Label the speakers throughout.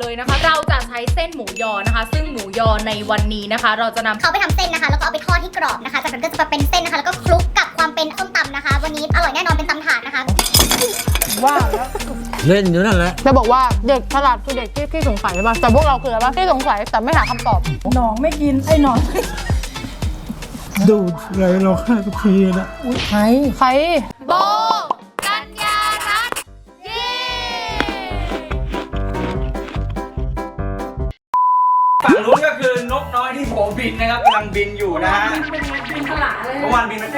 Speaker 1: เลยนะคะเราจะใช้เส้นหมูยอนะคะซึ่งหมูยอในวันนี้นะคะเราจะนำ
Speaker 2: เขาไปทำเส้นนะคะแล้วก็เอาไปทอดที่กรอบนะคะจากนั้นก็จะมาเป็นเส้นนะคะแล้วก็คลุกกับความเป็นส้มตำนะคะวันนี้อร่อยแน่นอนเป็นตำถาดนะคะ
Speaker 3: ว่าแล้ว
Speaker 4: เล่นอยู่นั่นแหละ
Speaker 3: จะบอกว่าเด็กฉลาดคือเด็กที่สงสัยใช่ป่ะแต่พวกเราคืออะไรป่ะที่สงสัยแต่ไม่หาคำตอบหนองไม่กินไอ้หนอง
Speaker 4: ดูอะไรเราฆ่าทุกทีนะ
Speaker 3: ใคร
Speaker 1: โบกัญญารัตน์เย้
Speaker 5: ฝั่งนู้นก็คือนกน้อยที่ผมบินนะครับกำลังบินอยู่นะฮะ
Speaker 3: บินขลาเลย
Speaker 5: เมื่อวานบินมัน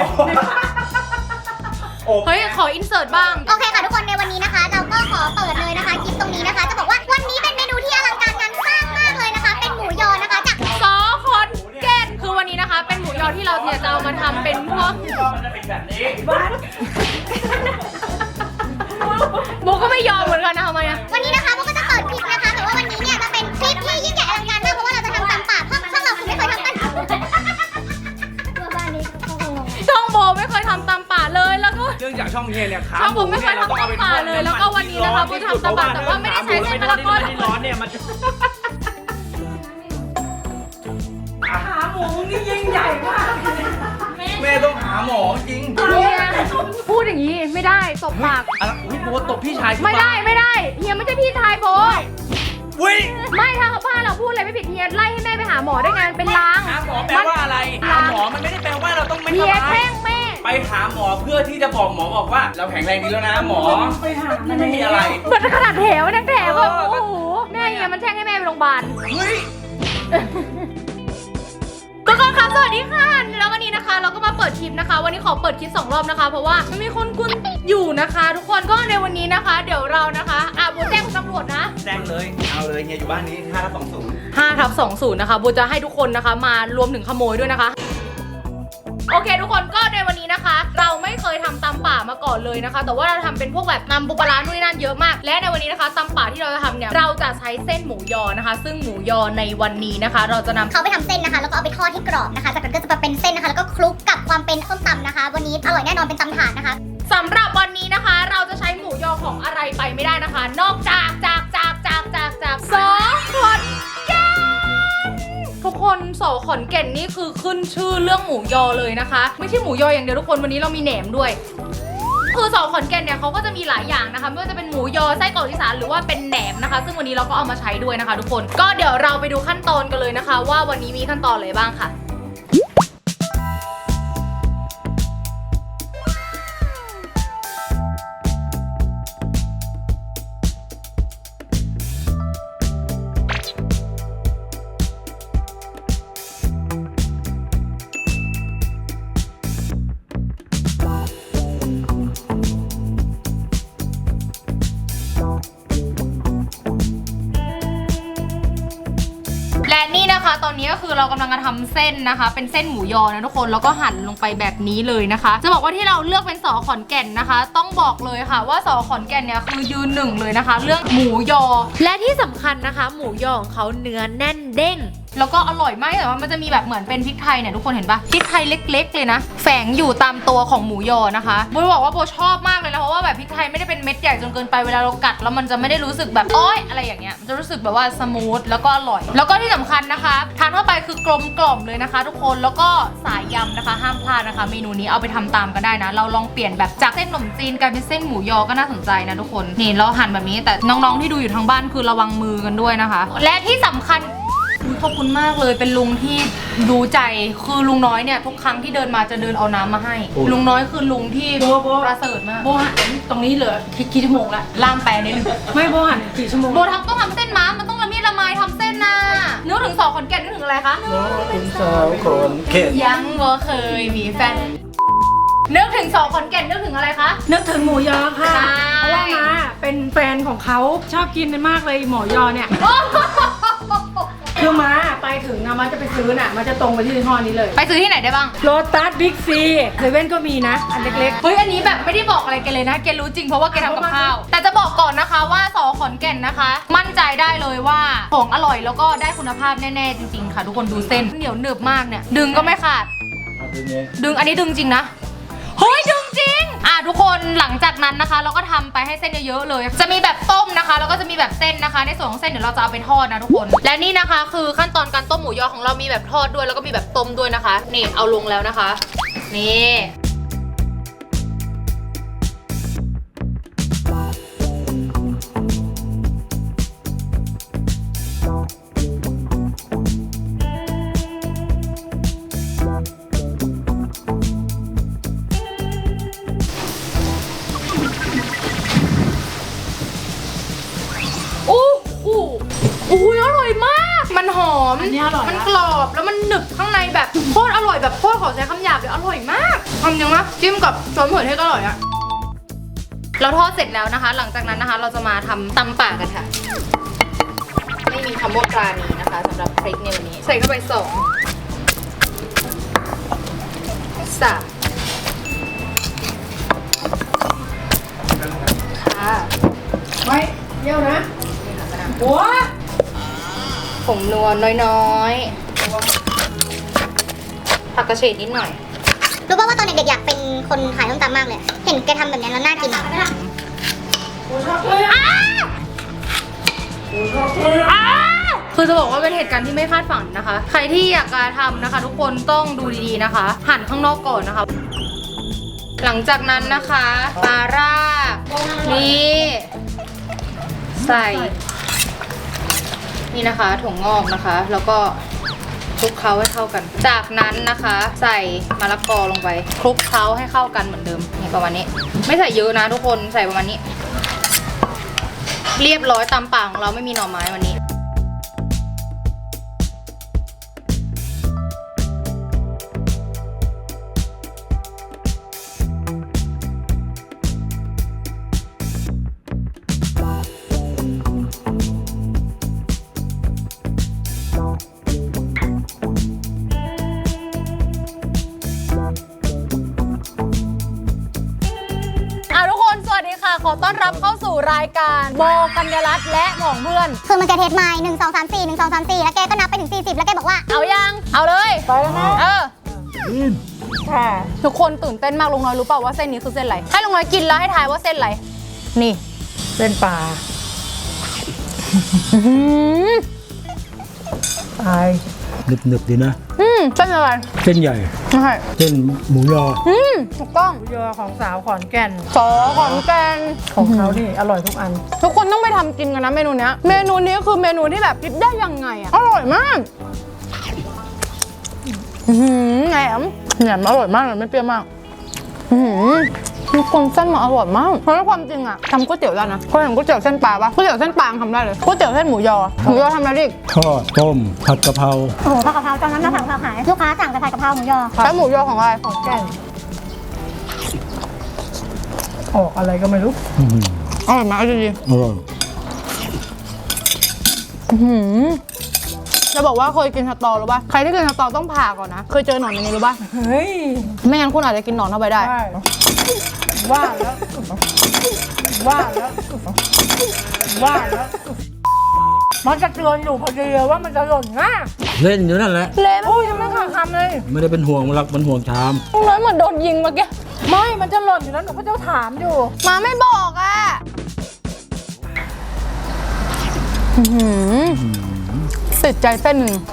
Speaker 1: เฮ้ยขออินเสิร์ตบ้าง
Speaker 2: โอเคค่ะทุกคนในวันนี้นะคะเราก็ขอเปิดเลยนะคะคลิปตรงนี้นะคะจะบอกว่าวันนี้เป็นเมนูที่อลังการงานสร้างมากเลยนะคะเป็นหมูยอนะคะจาก
Speaker 1: สอขอนแก่นคือวันนี้นะคะเป็นหมูยอที่เราเนี่ยจะเอามาทำเป็นพวก
Speaker 5: มันจะเป็นแบบนี้
Speaker 1: โบก็ไม่ยอมเหมือนกันนะทำไมอะ
Speaker 2: วันนี้นะคะโบก็จะเปิดคลิปนะคะแต่ว่าวันนี้เนี่ยจะเป็นคลิปที่ยิ่งใหญ่อลังการมากเพราะว่าเราจะทำตำป่าเพราะช่องเราคือไม่เคยทำกัน
Speaker 1: ช่องโบไม่เคยทำตำป่าเลยแล้วก็
Speaker 5: เรื่องจากช่องเฮียเนี่ยขา
Speaker 1: ช่องผมไม่เคยทำตำป่าเลยแล้วก็วันนี้นะคะโบทำตำป่าแต่ว่าไม่ได้ใช้เส้นมะละกอ
Speaker 5: ที่ร้อนเนี่ยมัน
Speaker 3: ขาหมูนี่ยิ่งใหญ่มาก
Speaker 5: แม่ต้องหาหมอจริง
Speaker 1: พูดอย่างนี้ไม่ได้ตบปาก
Speaker 5: อุ้ยโบตบพี่ชาย
Speaker 1: ไม่ได้เฮียไม่ใช่พี่ชายโบ
Speaker 5: อุ้ย
Speaker 1: ไม่ถ้าบ้านเราพูดอะไรไม่ผิดเฮียไล่ให้แม่ไปหาหมอได้ไงเป็นล้าง
Speaker 5: หาหมอแปลว่าอะไรหาหมอมันไม่ได้แปลว่าเราต้องไม่สบาย
Speaker 1: เฮียแช่งแม่
Speaker 5: ไปหาหมอเพื่อที่จะบอกหมอบอกว่าเราแข็งแรงดีแล้วนะหมอ
Speaker 3: ไปหา
Speaker 5: ไม่มีอะไร
Speaker 1: เหมือนขนาดแถวนั่งแถวแบบโอ้โหแม่เฮียมันแช่งให้แม่ไปโรงพยาบาล
Speaker 5: เฮ้ย
Speaker 1: ทุกคนครับสวัสดีค่ะแล้ววันนี้นะคะเราก็มาเปิดคลิปนะคะวันนี้ขอเปิดคลิป2 รอบนะคะเพราะว่ามันมีคนกุนอยู่นะคะทุกคนก็ในวันนี้นะคะเดี๋ยวเรานะคะโบแจ้งตำรวจนะ
Speaker 5: แจ้งเลยเอาเลยเฮียอยู่บ้านนี้
Speaker 1: 5/20นะคะโบจะให้ทุกคนนะคะมารวมถึงขโมยด้วยนะคะโอเคทุกคนก็ในวันนี้นะคะเราไม่เคยทำตำป่ามาก่อนเลยนะคะแต่ว่าเราทำเป็นพวกแบบตำปูปลาร้านู่นนั่นเยอะมากและในวันนี้นะคะตำป่าที่เราจะทำเนี่ยเราจะใช้เส้นหมูยอนะคะซึ่งหมูยอในวันนี้นะคะเราจะนำ
Speaker 2: เขาไปทำเส้นนะคะแล้วก็เอาไปทอดที่กรอบนะคะจากนั้นก็จะมาเป็นเส้นนะคะแล้วก็คลุกกับความเป็นส้มตำนะคะวันนี้อร่อยแน่นอนเป็นตำถาดนะคะ
Speaker 1: สำหรับวันนี้นะคะเราจะใช้หมูยอของอะไรไปไม่ได้นะคะนอกจากสอขอนแก่นทุกคนสอขอนแก่นนี่คือขึ้นชื่อเรื่องหมูยอเลยนะคะไม่ใช่หมูยออย่างเดียวทุกคนวันนี้เรามีแหนมด้วยคือสอขอนแก่นเนี่ยเขาก็จะมีหลายอย่างนะคะไม่ว่าจะเป็นหมูยอไส้กรอกอีสานหรือว่าเป็นแหนมนะคะซึ่งวันนี้เราก็เอามาใช้ด้วยนะคะทุกคนก็เดี๋ยวเราไปดูขั้นตอนกันเลยนะคะว่าวันนี้มีขั้นตอนอะไรบ้างค่ะและนี่นะคะตอนนี้ก็คือเรากำลังจะทำเส้นนะคะเป็นเส้นหมูยอนะทุกคนแล้วก็หั่นลงไปแบบนี้เลยนะคะจะบอกว่าที่เราเลือกเป็นสอขอนแก่นนะคะต้องบอกเลยค่ะว่าสอขอนแก่นเนี่ยคือยืนหนึ่งเลยนะคะเรื่องหมูยอและที่สำคัญนะคะหมูยอของเขาเนื้อแน่นเด้งแล้วก็อร่อยมากแต่ว่ามันจะมีแบบเหมือนเป็นพริกไทยเนี่ยทุกคนเห็นปะพริกไทยเล็กๆเลยนะแฝงอยู่ตามตัวของหมูยอนะคะโบบอกว่าโบชอบมากเลยนะเพราะว่าแบบพริกไทยไม่ได้เป็นเม็ดใหญ่จนเกินไปเวลาเรากัดแล้วมันจะไม่ได้รู้สึกแบบอ้อยอะไรอย่างเงี้ยมันจะรู้สึกแบบว่าสมูทแล้วก็อร่อยแล้วก็ที่สำคัญนะคะทานเข้าไปคือกลมกล่อมเลยนะคะทุกคนแล้วก็สายยำนะคะห้ามพลาดนะคะเมนูนี้เอาไปทำตามกันได้นะเราลองเปลี่ยนแบบจากเส้นขนมจีนกลายเป็นเส้นหมูยอก็น่าสนใจนะทุกคนนี่เราหั่นแบบนี้แต่น้องๆที่ดูอยู่ทางบ้านคือระวังมือกันด้วยนะคะและที่สำคัญขอบคุณมากเลยเป็นลุงที่ดูใจคือลุงน้อยเนี่ยทุกครั้งที่เดินมาจะเดินเอาน้ำมาให้ลุงน้อยคือลุงที่ประเสริฐมาก
Speaker 3: โบหันตรงนี้เหลือกี่ชั่วโมงละ
Speaker 1: ล่ามแปลนิดนึง
Speaker 3: ไม่โบหันกี่ชั่วโมง
Speaker 1: โบทำต้องทำเส้นม้ามันต้องละเมียดละไมทำเส้นนะนึกถึงสอขอนแก่นนึกถึงอะไรคะ
Speaker 4: ถึงสาวคนเก่ง
Speaker 1: ยังบ่เคยมีแฟนนึกถึงสอขอนแก่นนึกถึงอะไรคะ
Speaker 3: นึกถึงหมูยอค่ะเพราะว่ามาเป็นแฟนของเขาชอบกินมากเลยหมูยอเนี่ยคือมาไปถึงนะมันจะไปซื้อน่ะมันจะตรงไปที่ยี่ห้อนี้เลย
Speaker 1: ไปซื้อที่ไหนได้บ้าง
Speaker 3: โลตัสบิ๊กซีเซเว่นก็มีนะอันเล็ก
Speaker 1: ๆเฮ้ยอันนี้แบบไม่ได้บอกอะไรแกเลยนะแกรู้จริงเพราะว่าแกทำกับข้าวแต่จะบอกก่อนนะคะว่าสอขอนแก่นนะคะมั่นใจได้เลยว่าของอร่อยแล้วก็ได้คุณภาพแน่ๆจริงๆค่ะทุกคนดูเส้นเหนียวหนึบมากเนี่ยดึงก็ไม่ขาดดึงอันนี้ดึงจริงนะเฮ้ยดึงจริงทุกคนหลังจากนั้นนะคะ เราก็ทำไปให้เส้นเยอะๆเลย จะมีแบบต้มนะคะแล้วก็จะมีแบบเส้นนะคะในส่วนของเส้นเดี๋ยวเราจะเอาไปทอดนะทุกคนและนี่นะคะคือขั้นตอนการต้มหมูยอของเรามีแบบทอดด้วยแล้วก็มีแบบต้มด้วยนะคะนี่เอาลงแล้วนะคะนี่อุ้ยอร่อยมาก มันหอม
Speaker 3: อันนี้อร่อยนะ
Speaker 1: มันกรอบแล้วมันหนึบข้างในแบบโคตรอร่อยแบบโคตรขอใช้คำหยาบเลยอร่อยมากทำยังไงจิ้มกับซอสมะเขือเทศก็อร่อยอะเราทอดเสร็จแล้วนะคะ หลังจากนั้นนะคะเราจะมาทำตำป่ากันค่ะไม่มีคำว่าปลานี้นะคะสำหรับพริกในวันนี้ใส่เข้าไป2 3ค่ะ
Speaker 3: ไว้เยี่ยวนะหัว
Speaker 1: ผงนัวน้อยๆผักกระเฉดนิดหน่อย
Speaker 2: รู้ป่าวว่าตอนเด็กๆอยากเป็นคนขายส้มตำมากเลย เห็นแกทำแบบนี้แล้วน่ากินอะ
Speaker 1: คือจะบอกว่าเป็นเหตุการณ์ที่ไม่คาดฝันนะคะ ใครที่อยากจะทำนะคะ ทุกคนต้องดูดีๆนะคะ หั่นข้างนอกก่อนนะคะ หลังจากนั้นนะคะปลาร่านี่ใส่นี่นะคะถั่วงอกนะคะ แล้วก็คลุกเคล้าให้เข้ากัน จากนั้นนะคะ ใส่มะละกอลงไปคลุกเคล้าให้เข้ากันเหมือนเดิมนี่ประมาณนี้ ไม่ใส่เยอะนะทุกคนใส่ประมาณนี้ เรียบร้อยตามป่าของเราไม่มีหน่อไม้วันนี้ทุกคนสวัสดีค่ะขอต้อนรับเข้าสู่รายการโบกัญญรัตน์และหม่องเพื่อน
Speaker 2: คือมันจะเทสไมล์1 2 3 4 1 2 3 4 แล้วแกก็นับไปถึง 40 แล้วแกบอกว่า
Speaker 1: เอายังเอาเลยไปแล้วนะ
Speaker 4: อืม
Speaker 3: ค่ะ
Speaker 1: ทุกคนตื่นเต้นมากลุงน้อยรู้เปล่าว่าเส้นนี้คือเส้นอะไรให้ลุงน้อยกินแล้วให้ทายว่าเส้นอะไรนี่
Speaker 3: เส้นปลาตาย
Speaker 4: หนึบๆดีนะ
Speaker 1: เส้นอะไร
Speaker 4: เส้นใหญ่
Speaker 1: ใช่
Speaker 4: เส้นหมูยอ
Speaker 1: ถูกต้อง
Speaker 3: หมูยอของสาวขอนแก่น
Speaker 1: สอขอนแก่น
Speaker 3: ของเขานี่อร่อยทุกอัน
Speaker 1: ทุกคนต้องไปทำกินกันนะเมนูเนี้ยเมนูนี้คือเมนูที่แบบคิดได้ยังไงอะอร่อยมากแหนมอร่อยมากเลยไม่เปรี้ยวมากทุกคนเส้นมันอร่อยมากเพราะว่าความจริงอะทำก๋วยเตี๋ยวได้นะเคยเห็นก๋วยเตี๋ยวเส้นปลาปะก๋วยเตี๋ยวเส้นปลาทำได้เลยก๋วยเตี๋ยวเส้นหมูยอทำอะไรดิ
Speaker 4: ทอด ต้ม ผัดกะเพรา
Speaker 2: โอ้โหผัดกะเพราตอนนั้นเราสั่งกะเพราขายลูกค้าสั่งแต่ผัดกะเพราหมูยอ
Speaker 1: แล้วหมูยอของอะไร
Speaker 3: ขอนแก่นออกอะไรก็ไม่รู้
Speaker 4: อื้อหือ
Speaker 1: อร่อยไหมเอาดี
Speaker 4: อร่อย
Speaker 1: จะบอกว่าเคยกินสตอหรือปะใครที่กินสตอต้องผ่าก่อนนะเคยเจอหนอนในนี้หรือปะ
Speaker 3: เฮ้ย
Speaker 1: ไม่งั้นคุณอาจจะกินหนอนเข้าไปได้
Speaker 3: ได้ว่าแล้วว่าแล้วว่าแล้วมันจะเตือนอยู่พอดีเลยว่ามันจะหล่นง่า
Speaker 4: เล่นอยู่นั่นแหละ
Speaker 1: เละ
Speaker 3: โอ้ยยังไม่ขาดคำเลย
Speaker 4: ไม่ได้เป็นห่วงมันหรอกมันห่วงชาม
Speaker 1: ลุงน้อยเหมือนโดนยิงเมื่อกี้
Speaker 3: ไม่มันจะหล่นอยู่แล้วหนูก็จะถามอยู่
Speaker 1: มาไม่บอกอ่ะติดใจเส้นหนึ่ง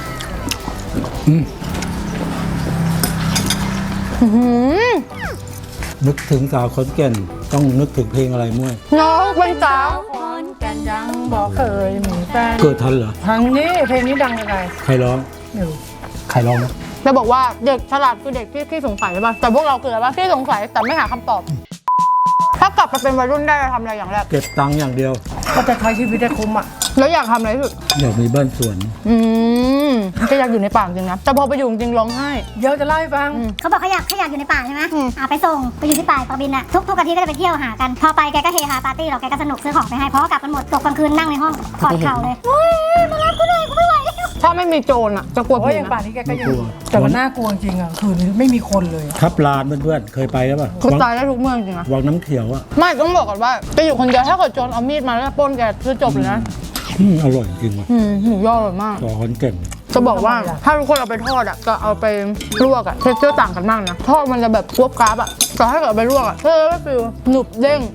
Speaker 4: นึกถึงสาวขอนแก่นต้องนึกถึงเพลงอะไรมั่ว
Speaker 1: น้องเป็นสาว
Speaker 3: ขอนแก่นยังบอกเคยมีแฟน
Speaker 4: เกิดทันเหรอ
Speaker 3: ทางนี้เพลงนี้ดังยังไง
Speaker 4: ใครร้อง
Speaker 3: อยู่
Speaker 4: ใครร้องนะ
Speaker 1: จะบอกว่าเด็กฉลาดคือเด็กที่สงสัยใช่ป่ะแต่พวกเราคืออะไรป่ะที่สงสัยแต่ไม่หาคำตอบ ถ้ากลับไปเป็นวัยรุ่นได้จะทำอะไรอย่างแรก
Speaker 4: เก็บตังค์อย่างเดียว
Speaker 3: ก็จะใช้ชีวิตได้คุ้มอ่ะ
Speaker 1: แล้วอยากทำอะไรที่สุด
Speaker 4: อยากมีบ้านสวน
Speaker 1: ก็อยากอยู่ในป่าจริงนะแต่พอไปอยู่จริงร้องไห้
Speaker 3: เดี๋ยวจะเล่าให้ฟัง
Speaker 2: เขาบอกเขาอยากอยู่ในป่าใช่ไหมไปส่งไปอยู่ที่ป่าปะบินอะทุกอาทิตย์ก็จะไปเที่ยวหากัน พอไปแกก็เฮฮาปาร์ตี้เราแกก็สนุกซื้อของไปให้เพราะว่ากลับกันหมดตกกลางคืนนั่งในห้องกอดเข่าเลยเฮ้ยมารับกูหน่อยกูไม่ไหว
Speaker 1: ถ้าไม่มีโจรอ่ะจะกลัว
Speaker 3: โอ้
Speaker 1: ผี
Speaker 3: ยอย่าง
Speaker 1: นะ
Speaker 3: ป่านนี้แกก็ยัง
Speaker 4: ไม่กลัว
Speaker 3: แต่มันน่ากลัวจริงอ่ะคืนนี้ไม่มีคนเลยอะ
Speaker 4: ทับลานเพื่อนๆเคยไปแล้วป่ะ
Speaker 1: คือตายได้ทุกเมืองจริงนะ
Speaker 4: วังน้ำเขียวอ่ะ
Speaker 1: ไม่ต้องบอกก่อนว่าไปอยู่คนเดียวถ้าเกิดโจรเอามีดมาแล้วปล้นแกคือจบเลยนะ
Speaker 4: อร่อยจริงว่ะ
Speaker 1: หมูยออร่อยมาก
Speaker 4: ต่อขอนแก่น
Speaker 1: จะบอกว่าถ้าทุกคนเอาไปทอดอ่ะก็เอาไปลวกอ่ะเทคเจอร์ต่างกันมากนะทอดมันจะแบบกรอบกราบอ่ะแต่ถ้าเกิดเอาไปลวกอ่ะก็จะฟิลหนุบเด้ง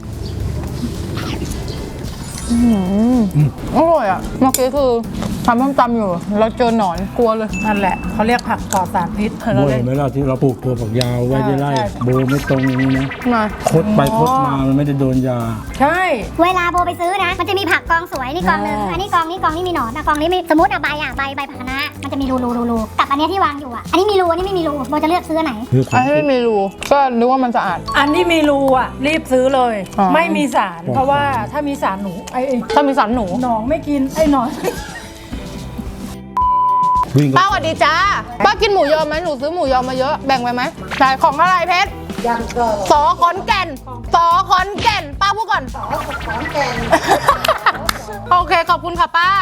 Speaker 1: อร่อยอ่ะเมื่อกี้คือทำส้มตำอยู่เราเจอหนอนกลัวเลย
Speaker 3: นั่นแหละเขาเรียกผักปลอดสารพิษ
Speaker 4: บ่อยไหมล่ะที่เราปลูกตัวฝักยาวไว้ได้ไร่
Speaker 3: ใช่
Speaker 4: โบไม่ตรงนี้นะ
Speaker 1: มา
Speaker 4: คดไปคดมามันไม่ได้โดนยา
Speaker 3: ใช่
Speaker 2: เวลาโบไปซื้อนะ มันจะมีผักกองสวยนี่กองหนึงอันนี้กองนี้มีหนอนนะกองนี้มีสมมติใบผักคะน้ามันจะมีรูกับอันเนี้ยที่วางอยู่อ่ะอันนี้มีรูอันนี้ไม่มีรูโบจะเลือกซื้ออันไหน
Speaker 4: คือข
Speaker 1: อั
Speaker 4: อน ง
Speaker 1: ที่ไม่มีรูก็นึกว่ามันสะอาด
Speaker 3: อันที่มีรูอ่ะรีบซื้อเลย
Speaker 1: อ๋อ
Speaker 3: ไม่มีสาร เพราะว่าถ้ามีสารหนูไอ้
Speaker 1: ถ้ามีสันหนู
Speaker 3: หนองไม่กินไอ้หนอน
Speaker 4: วิ่งก็
Speaker 1: ป้าสวัสดีจ้าป้ากินหมูยอไหมหนูซื้อหมูยอมาเยอะแบ่งไปไหมใช่ของอะไรเพชรสอขอนแก่นสอขอนแก่นป้าพูดก่อนสอขอนแก่น โอเคขอบคุณค่ะป้า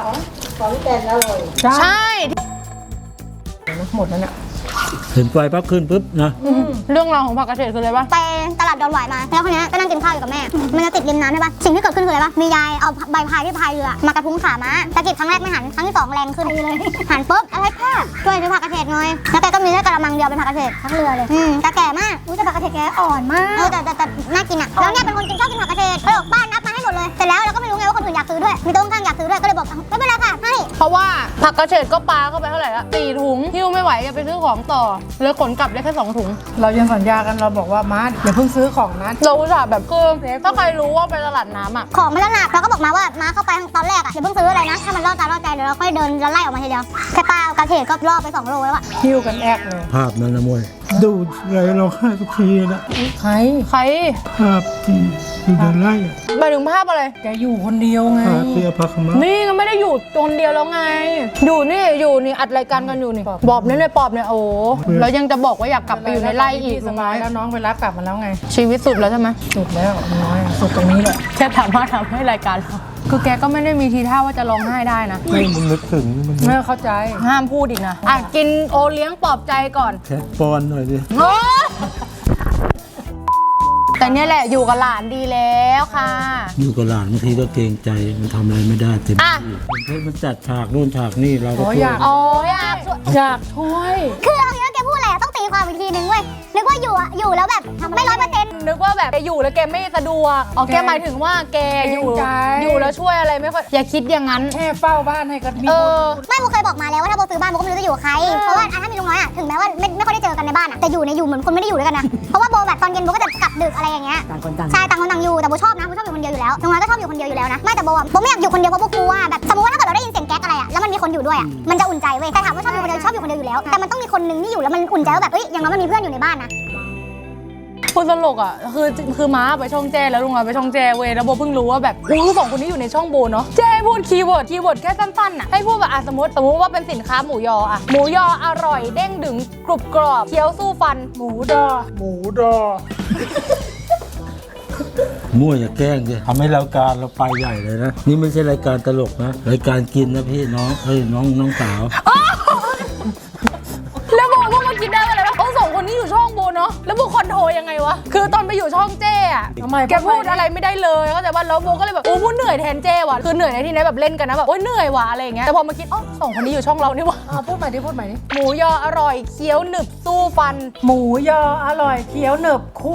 Speaker 1: ใช่
Speaker 3: หมดแล้วเนี่ย
Speaker 4: เห็นไฟปั๊บขึ้นปุ๊บนะ
Speaker 1: เรื่องราวของผักกระเฉดคืออะไรบ้าง
Speaker 2: ไปตลาดดอนหวายมาแล้วคนนี้ก็นั่งกินข้าวอยู่กับแม่ มันจะติดริมน้ำใช่ปะสิ่งที่เกิดขึ้นคืออะไรปะมียายเอาใบพายที่พายเรือมากระทุ้งขาม้าตะกิดครั้งแรกไม่หันครั้งที่สองแรงขึ้นเลยหันปุ๊บอะไรพ่อช่วยซื้อผักกระเฉดหน่อยแล้วแกก็มีแค่กระมังเดียวเป็นผักกระเฉดทั้งเรือเลยแต่แก่มากแต่ผักกระเฉดแกอ่อนมากแต่น่ากินอ่ะแล้วเนี่ยเป็นคนชอบกินผักกระเฉดก็เลยบอกบ้านนับมาให้หมดเลยเสร็จแล้วเราก็ไม่รู้ไงว่าคนอื่นอยากซื้อด้วยมีโต๊ะข้างอยากซื้อด้วยก็เลยบอกไม่เป็นไรค่ะให้
Speaker 1: เพราะว่าผักกระเฉดก็ปลาเข้าไปเท่าไหร่ละ4 ถุงหิ้วไม่ไหวจะไปซื้อของต่อเลยขนกลับได้แค่2 ถุง
Speaker 3: เรายังสัญญากันเราบอกว่ามาร์ทอย่าเพิ่งซื้อของนะ
Speaker 1: เราอุตส่าห์แบบคือถ้าใครรู้ว่าไปตลาดน้ำอ่ะ
Speaker 2: ของมันหนักเราก็บอกมาว่ามาเข้าไปตอนแรกอ่ะอย่าเพิ่งซื้ออะไรนะถ้ามันล่อตาล่อใจเดี๋ยวเราค่อยเดินไล่ออกมาทีเดียวแค่ปลาเอากระเฉดก็ล่อไป2 โลแล้วอ่ะ
Speaker 3: หิ้วกันแอกเลย
Speaker 4: ภาพนั้นนะมวยดูไรเราฆ่าทุกทีนะ
Speaker 3: ใคร
Speaker 1: ใคร
Speaker 4: ภาพที่อยู่ในไร่อะ
Speaker 1: หมายถึงภาพอะไร
Speaker 3: แกอยู่คนเดียวไง
Speaker 4: ภาพที่อภัคมะ
Speaker 1: นี่ก็ไม่ได้อยู่คนเดียวแล้วไง อยู่นี่อัดรายการกันอยู่นี่บอบเนี่ยปอบเนี่ยโอ้แล้วยังจะบอกว่าอยากกลับไปอยู่ในไร่อีก
Speaker 3: สบายแล้วน้องไปรับกลับมาแล้วไง
Speaker 1: ชีวิตสุดแล้วใช่ไหม
Speaker 3: สุดแล้วน้อยสุดตรงนี้แหละ
Speaker 1: แค่ถามว่าทำให้รายการเราคือแกก็ไม่ได้มีทีท่าว่าจะร้องไห้ได้นะ
Speaker 4: ไม่มันนึกถึงมัน
Speaker 3: ไม่เข้าใจ
Speaker 1: ห้ามพูดอีกนะอ่ะกินโอเลี้ยงปลอบใจก่อน
Speaker 4: แค่ป้อนหน่อยดิ
Speaker 1: โอ๊ยแต่เนี่ยแหละอยู่กับหลานดีแล้วค่ะ
Speaker 4: อยู่กับหลานบางทีก็เกรงใจมันทำอะไรไม่ได้เต็ม
Speaker 1: อ่ะ
Speaker 4: ที่มันจัดฉากนู่นฉากนี่เราก็
Speaker 3: โอ้
Speaker 4: ช่วย
Speaker 3: อยาก
Speaker 1: อ๋ออยากช่วย
Speaker 3: อยากช่วย
Speaker 2: คือเอาอย่างนี้ว่าแกพูดอะไรอะต้องตีความอีกทีนึงเว้ยนึกว่าอยู่แล้วแบบไม่100%
Speaker 1: นึกว่าแบบแกอยู่แล้วแกไม่สะดวกอ๋อแกหมายถึงว่าแกอยู่
Speaker 3: เกรงใจ
Speaker 1: อยู่แล้วช่วยอะไรไม่ค่อยอย่าคิดอย่างนั้น
Speaker 3: แค่เฝ้าบ้านให้ก็มี
Speaker 1: เออ
Speaker 2: ไม่โบเคยบอกมาแล้วว่าถ้าโบซื้อบ้านโบก็ไม่รู้จะอยู่กับใครเพราะว่าถ้ามีลุงน้อยอะถึงแม้ว่าไม่ค่อยได้เจอกันในบ้านอะแต่อยู่เหมือนคนไม่ได้อยู่ด้วยกันนะเพราะว่าโบแบบตอนเย็นโบก็จะกลับดึกอะไรอย่างเงี้ยใช่ต่างคนต่างอยู่แต่โบชอบนะโบชอบอยู่คนเดียวอยู่แล้วลุงน้อยก็ชอบอยู่คนเดียวอยู่แล้วนะไม่แต่โบอะโบไม่อยากอยู่คนเดียวเพราะโบกลัวแบบสมมติว่าถ้าเกิดเราได้ยินเสียงแก๊กอะไรอะแล้วมันมีคนอยู่ด้วยอะมันจะอุ่นใจเว้ยแต่ถามว่าชอบอยู่คนเดียวชอบอยู่คนเดียวอยู่แล้วแต่มันต้องมีคนนึงที่อยู่แล้วมันอุ่นใจว่าแบบเอ้ยอย่างน้อยมันมีเพื่อนอยู่ในบ้านนะ
Speaker 1: พูดตลกอ่ะคือม้าไปช่องแจ้แล้วลุงน้อยไปช่องแจ้เว้ยแล้วโบเพิ่งรู้ว่าแบบสองคนนี้อยู่ในช่องโบเนาะแจ้พูดคีย์เวิร์ดแค่สั้นๆอ่ะให้พูดแบบสมมติว่าเป็นสินค้าหมูยออ่ะหมูยออร่อยเด้งดึงกรุบกรอบเคี้ยวสู้ฟัน
Speaker 3: หมูดอ
Speaker 4: มั่วอย่าแกล้งดิทำให้รายการเราไปใหญ่เลยนะ นี่ไม่ใช่รายการตลกนะ รายการกินนะพี่น้องเฮ้ยน้องสาว
Speaker 1: แล้วโบก็มาคิดได้ว่าอะไรวะสองคนนี้อยู่ช่องโบเนาะแล้วโบคอนโทรยังไงวะคือตอนไปอยู่ช่องเจ้อะ
Speaker 3: ทำไม
Speaker 1: แกพูดอะไรไม่ได้เลยก็แต่ว่าแล้วโบก็เลยแบบโอ้พูดเหนื่อยแทนเจ้ว่ะคือเหนื่อยในที่นี้แบบเล่นกันนะแบบโอ้ยเหนื่อยว่ะอะไรอย่างเงี้ยแต่พอมาคิดสองคนนี้อยู่ช่องเรานี่วะ
Speaker 3: พูดใหม่ดิพูดใหม่ดิ
Speaker 1: หมูยออร่อยเคี้ยวหนึบสู้ฟัน
Speaker 3: หมูยออร่อยเคี้ยวหนึบคู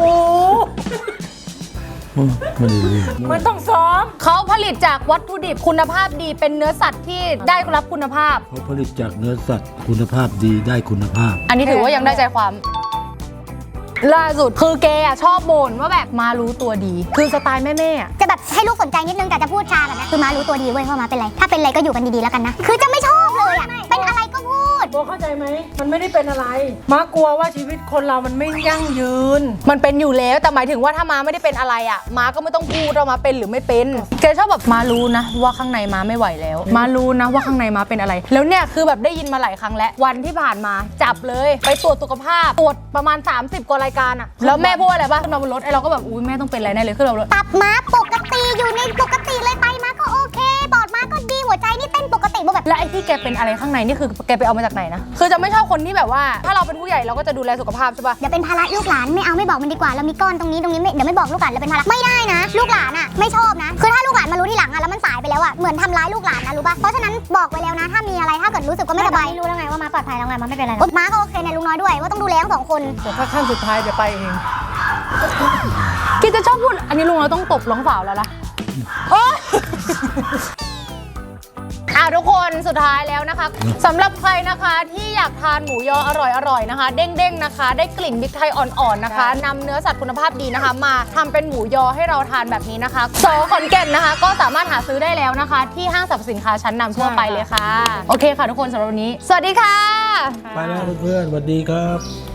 Speaker 4: ไม่ได้เรื่อง
Speaker 3: มันต้องซ้อม
Speaker 1: เขาผลิตจากวัตถุดิบคุณภาพดีเป็นเนื้อสัตว์ที่ได้รับคุณภาพ
Speaker 4: เขาผลิตจากเนื้อสัตว์คุณภาพดีได้คุณภาพ
Speaker 1: อันนี้ถือว่ายังได้ใจความ ล่าสุดคือแกอะชอบบ่นว่าแบบมารู้ตัวดี คือสไตล์แม่ๆอะ
Speaker 2: จะแบบให้ลูกสนใจนิดนึงแต่จะพูดช้าแบบนี้คือมารู้ตัวดีเว้ยว่ามาเป็นไรถ้าเป็นไรก็อยู่กันดีๆแล้วกันนะคือจะไม่ชอบเลยอ่ะเป็นอะไรก็พูด
Speaker 3: โบเข้าใจไหม มันไม่ได้เป็นอะไร มากลัวว่าชีวิตคนเรามันไม่ยั่งยืน
Speaker 1: มันเป็นอยู่แล้วแต่หมายถึงว่าถ้ามาไม่ได้เป็นอะไรอ่ะมาก็ไม่ต้องพูดว่ามาเป็นหรือไม่เป็นแกชอบแบบมารู้นะว่าข้างในมาไม่ไหวแล้ว มารู้นะว่าข้างในมาเป็นอะไร แล้วเนี่ยคือแบบได้ยินมาหลายครั้งแล้ววันที่ผ่านมาจับเลยไปตรวจสุขภาพตรวจประมาณ30 กว่ารายการอ่ะแล้วแม่พูดอะไรบ้างขึ้นมาบนรถไอ้เราก็แบบอุ้ยแม่ต้องเป็นอะไรแน่เลยขึ้นมาบนรถ
Speaker 2: ตับม้าปกติอยู่ในปกติเลยไตม้าก็โอเคปอดม้าก็ดีหัวหัวใจนี่เต้นปกติโบแบบ
Speaker 1: และไอ้ที่แกเป็นอะไรข้างในนี่คือแกไปเอามาจากไหนนะคือจะไม่ชอบคนที่แบบว่าถ้าเราเป็นผู้ใหญ่เราก็จะดูแลสุขภาพใช่ปะ
Speaker 2: เดี๋ยวเป็นภาระลูกหลานไม่เอาไม่บอกมันดีกว่าเรามีก้อนตรงนี้ไม่เดี๋ยวไม่บอกลูกหลานเราเป็นภาระไม่ได้นะ ลูกหลานอ่ะไม่ชอบนะคือถ้าลูกหลานมารู้ทีหลังอ่ะแล้วมันสายไปแล้วอ่ะเหมือนทำร้ายลูกหลานนะรู้ปะเพราะฉะนั้นบอกไว้แล้วนะถ้ามีอะไรถ้าเกิดรู้สึกว่าไม่สบายรู้แล้วไงว่ามาปลอดภัยแล้วไงมาไม่เป็นไรม้าก็โอเคในลุงน้อยด้วยว่าต้องดูแลทั้ง2 คน
Speaker 3: แต่ถ้าขั้นสุดท้ายเดี๋ยวไปเอง
Speaker 1: กินจะชอบพูดอันนี้ลุงเราต้องตบร้องสาวแล้วล่ะโอ๊ยทุกคนสุดท้ายแล้วนะคะสำหรับใครนะคะที่อยากทานหมูยออร่อยๆนะคะ เด้งๆนะคะ ได้กลิ่นพริกไทยอ่อนๆนะคะนำเนื้อสัตว์คุณภาพดีนะคะ มาทำเป็นหมูยอให้เราทานแบบนี้นะคะสอขอนแก่นนะคะ ก็สามารถหาซื้อได้แล้วนะคะ ที่ห้างสรรพสินค้าชั้นนำทั่วไปเลยค่ะโอเคค่ะทุกคนสำหรับวันนี้สวัสดีค่ะ
Speaker 4: ไปแล้วเพื่อนๆสวัสดีครับ